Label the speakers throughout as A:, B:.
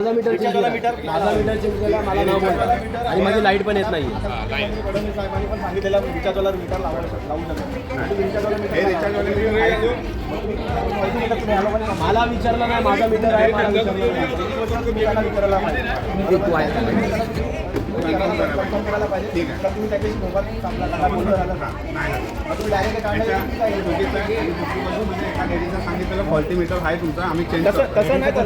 A: माझा metre change केला मला नाव बोलतात आणि माझी लाईट पण येत नाही.
B: फडणवीस साहेबांनी पण सांगितलेलं रिचार्जवाला मीटर लावू शकतो.
A: मला विचारलं नाही माझा मीटर आहे
B: करायला पाहिजे. तुम्ही त्याच्याशी मोबाईल सांगितलेलं फॉल्टी मीटर आहे तुमचा, आम्ही चेंज तसं नाही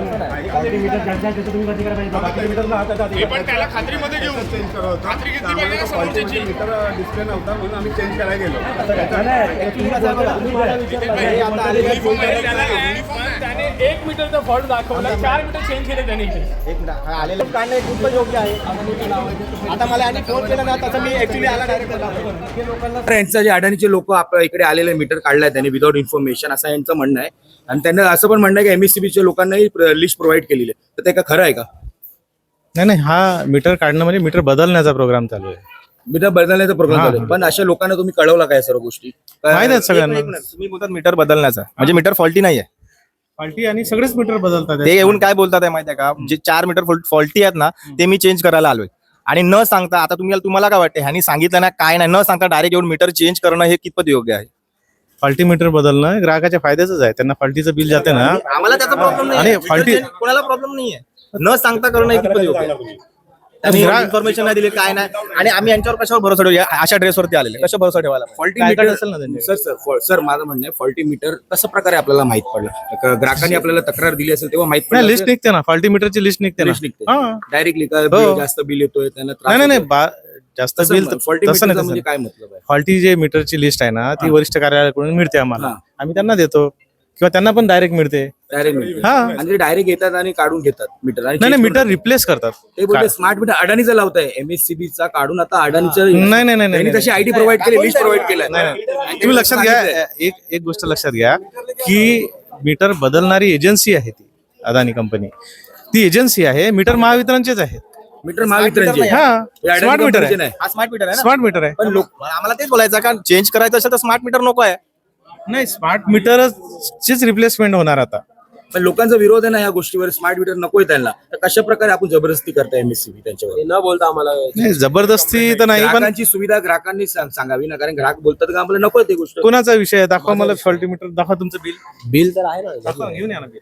C: खात्रीमध्ये घेऊन
B: चेंज करत मीटर डिस्प्ले नव्हता म्हणून आम्ही चेंज करायला गेलो.
C: त्याने 1 मीटरचा फॉल्ट दाखवला, 4 मीटर चेंज केले त्याने इथे.
B: आलेलं काढणं खूप योग्य आहे. आता मला आणि फोन केला ना तसं मी ऍक्च्युली आला डायरेक्ट
D: यांचं जे अडाणीचे लोक आपल्या इकडे आलेले मीटर काढलाय त्यांनी विदाउट इन्फॉर्मेशन असं यांचं म्हणणं आहे. आणि त्यांना असं पण म्हणणं आहे की एमएससीबीच्या लोकांनाही लिस्ट प्रोव्हाइड केलेली आहे. तर ते का खरं आहे का?
E: नाही, हा मीटर काढणं म्हणजे मीटर बदलण्याचा प्रोग्राम चालू आहे.
D: मीटर बदलण्याचा प्रोग्राम चालू आहे. पण अशा लोकांना तुम्ही कळवला काय सर्व गोष्टी?
E: माहिती आहेत सगळ्यांना.
F: तुम्ही बोलतात मीटर बदलण्याचा म्हणजे मीटर फॉल्टी नाहीये.
E: फॉल्टी आणि सगळेच मीटर बदलतात.
F: ते येऊन काय बोलतात आहे माहिती आहे का, जे 4 मीटर फॉल्टी आहेत ना ते मी चेंज करायला आलोय. आणि न सांगता, आता तुम्हाला काय वाटतं, ह्यांनी सांगितलं ना काय नाही, न सांगता डायरेक्ट येऊन मीटर चेंज करणं हे कितपत योग्य आहे?
E: फॉल्टी मीटर बदलणं ग्राहकाच्या फायद्याच आहे. त्यांना फॉल्टीचं बिल जाते ना,
F: आम्हाला त्याचा प्रॉब्लेम नाही
E: आणि faulty-
F: कोणाला प्रॉब्लेम नाहीये. न सांगता करणं हे कितपत योग्य आहे? इन्फॉर्मेशन नाही दिली काय नाही. आणि आम्ही यांच्यावर कशावर भरोसा ठेवूया? अशा ड्रेसवरती आलेले कशा भरोसा ठेवायला?
D: फॉल्टी मीटर असेल ना त्यांचे. सर माझं म्हणणं आहे फॉल्टी मीटर कशा प्रकारे आपल्याला माहित पडलं? ग्राहकांनी आपल्याला तक्रार दिली असेल तेव्हा माहित पडलं.
E: लिस्ट निघते ना, फॉल्टी मीटरची लिस्ट निघते ना.
D: डायरेक्टली जास्त बिल येतोय त्यांना
E: नाही, जास्त बिल
D: फॉल्टी
E: तसं नाही.
D: म्हणजे काय मतलब आहे?
E: फॉल्टी जे मीटरची लिस्ट आहे ना ती वरिष्ठ कार्यालयाकडून मिळते आम्हाला, आम्ही त्यांना देतो किंवा त्यांना पण डायरेक्ट मिळते.
D: डायरेक्ट
E: हा.
D: आणि डायरेक्ट येतात आणि काढून घेतात मीटर. आणि
E: नाही, मीटर रिप्लेस करतात.
D: ते बोलते स्मार्ट मीटर अडाणीचं लावताय, एमएससीबीचा काढून आता अडाणीचं.
E: नाही,
D: तशी आयडी प्रोव्हाइड केली, लिस्ट प्रोव्हाइड केलं.
E: तुम्ही लक्षात घ्या, एक गोष्ट लक्षात घ्या की मीटर बदलणारी एजन्सी आहे ती अदानी कंपनी. ती एजन्सी आहे, मीटर महावितरणचेच आहेत.
D: मीटर महावितरणचे.
E: स्मार्ट मीटर आहे.
F: हा स्मार्ट मीटर आहे ना.
E: स्मार्ट मीटर आहे.
F: पण आम्हाला तेच बोलायचं का चेंज करायचं असेल तर स्मार्ट मीटर नको आहे.
E: नाही, स्मार्ट मीटरचीच रिप्लेसमेंट होणार आता.
D: पण लोकांचा विरोध आहे ना या गोष्टीवर, स्मार्ट मीटर नकोय त्यांना. तर कशा प्रकारे आपण जबरदस्ती करताय एमएससीबी त्यांच्यावर?
A: न बोलता आम्हाला
E: नाही, जबरदस्ती तर नाही, पण
D: ग्राहकांची सुविधा ग्राहकांनी सांगावी ना, कारण ग्राहक बोलतात का आम्हाला नकोय ते गोष्ट.
E: कोणाचा विषय आहे? दाखवा मला फॉल्टी मीटर, दाखवा तुमचं
A: बिल तर आहे ना.
E: दाखवा, घेऊन या ना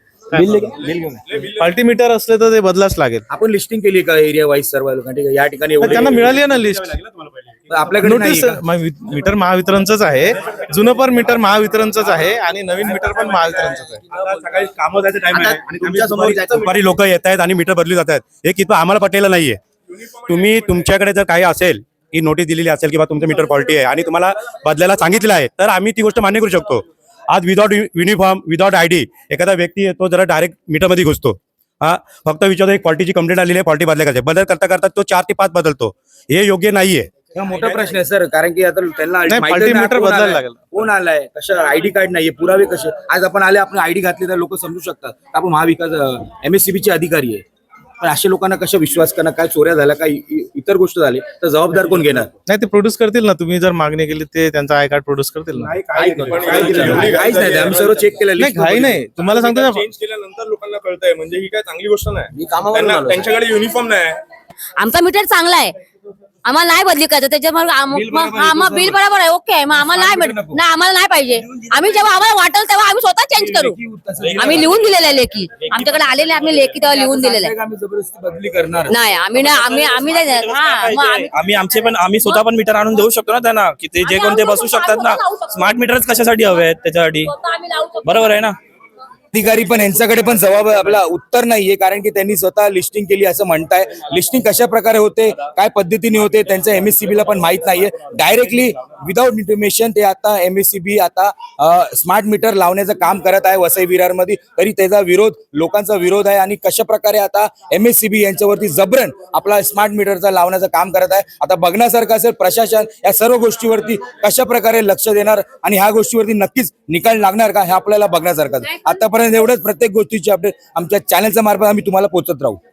E: बिल. फॉल्टी मीटर असले तर ते बदलाच लागेल.
D: आपण लिस्टिंग केली का एरिया वाईज सर्व लोकांना? या ठिकाणी एवढे-
E: त्यांना मिळाली आहे ना लिस्ट.
D: आपल्याकडे
E: नोटीस मीटर महावितरणच आहे, जुनं पण मीटर महावितरणच आहे आणि नवीन मीटर पण महावितरणच आहे.
G: सकाळी कामं जायचं टाइम आहे आणि
F: तुमच्या समोर
G: दुपारी लोक येत आहेत आणि मीटर बदलली जात आहेत. हे किती आम्हाला पटलेलं नाहीये. तुम्ही तुमच्याकडे जर काही असेल की नोटीस दिलेली असेल किंवा तुमचं मीटर फॉल्टी आहे आणि तुम्हाला बदलायला सांगितलं आहे तर आम्ही ती गोष्ट मान्य करू शकतो. आज विदाउट युनिफॉर्म, विदाउट आयडी एखादा व्यक्ती येतो, जरा डायरेक्ट मीटरमध्ये घुसतो. हा फक्त विचारतो एक फॉल्टीची कंप्लेंट आलेली आहे, फॉल्टी बदलायचे. बदल करता करता तो 4 ते 5 बदलतो. हे योग्य नाहीये.
D: हा मोठा प्रश्न आहे सर, कारण की आता त्यांना
E: नाही,
D: माहिती
E: फॉल्टी
D: नाही
E: मीटर
D: कोण
E: बदलायला
D: आलाय,
E: लागेल.
D: कोण आलाय, कशा आयडी कार्ड नाहीये, पुरावे कसे. आज आपण आले, आपण आयडी घातली तर लोक समजू शकतात आपण महाविकास एमएससीबीचे अधिकारी आहे. पण अशा लोकांना कशा विश्वास करणार? काय चोऱ्या झाल्या, काय इतर गोष्ट झाली तर जबाबदार कोण घेणार?
E: नाही, ते प्रोड्यूस करतील ना. तुम्ही जर मागणी केली ते त्यांचा आय कार्ड प्रोड्यूस करतील ना.
D: काहीच नाही, आम्ही सर्व चेक केलं.
E: नाही, घाई नाही. तुम्हाला सांगतो ना,
C: चेंज केल्यानंतर लोकांना कळतंय म्हणजे ही काय चांगली गोष्ट नाही.
A: मी कामावरून आलो.
C: त्यांच्याकडे युनिफॉर्म नाही.
H: आमचा मीटर चांगला आहे, आम्हाला नाही बदली करायचं त्याच्यामुळे मग बिल बरोबर आहे, ओके आहे. मग आम्हाला नाही आम्हाला नाही पाहिजे. आम्ही जेव्हा आम्हाला वाटेल तेव्हा आम्ही स्वतः चेंज करू. आम्ही लिहून दिलेलं आहे लेखी, आमच्याकडे आलेले आम्ही लेखी तेव्हा लिहून दिलेलं आहे.
D: आम्ही जबरदस्ती बदली करणार
H: नाही, आम्ही
F: आम्ही स्वतः पण मीटर आणून देऊ शकतो ना त्यांना, की ते जे कोण ते बसू शकतात ना. स्मार्ट मीटरच कशासाठी हवे आहेत? त्याच्यासाठी बरोबर आहे ना.
D: अधिकारी पण यांच्याकडे पण जबाब आपला उत्तर नाहीये, कारण की त्यांनी स्वतः लिस्टिंग केली असं म्हणताय. लिस्टिंग कशा प्रकारे होते, काय पद्धतीने होते, त्यांचं एमएससीबीला पण माहित नाहीये. डायरेक्टली विदाउट इन्फॉर्मेशन ते आता एमएससीबी आता स्मार्ट मीटर लावण्याचं काम करत आहे वसई विरारमध्ये. तरी त्याचा विरोध, लोकांचा विरोध आहे. आणि कशा प्रकारे आता एमएससीबी यांच्यावरती जबरन आपला स्मार्ट मीटरचा लावण्याचं काम करत आहे. आता बघण्यासारखं असेल प्रशासन या सर्व गोष्टीवरती कशा प्रकारे लक्ष देणार आणि ह्या गोष्टीवरती नक्कीच निकाल लागणार का हे आपल्याला बघण्यासारखं. आतापर्यंत एवढंच. प्रत्येक गोष्टीची अपडेट आमच्या चॅनलच्या मार्फत आम्ही तुम्हाला पोहोचत राहू.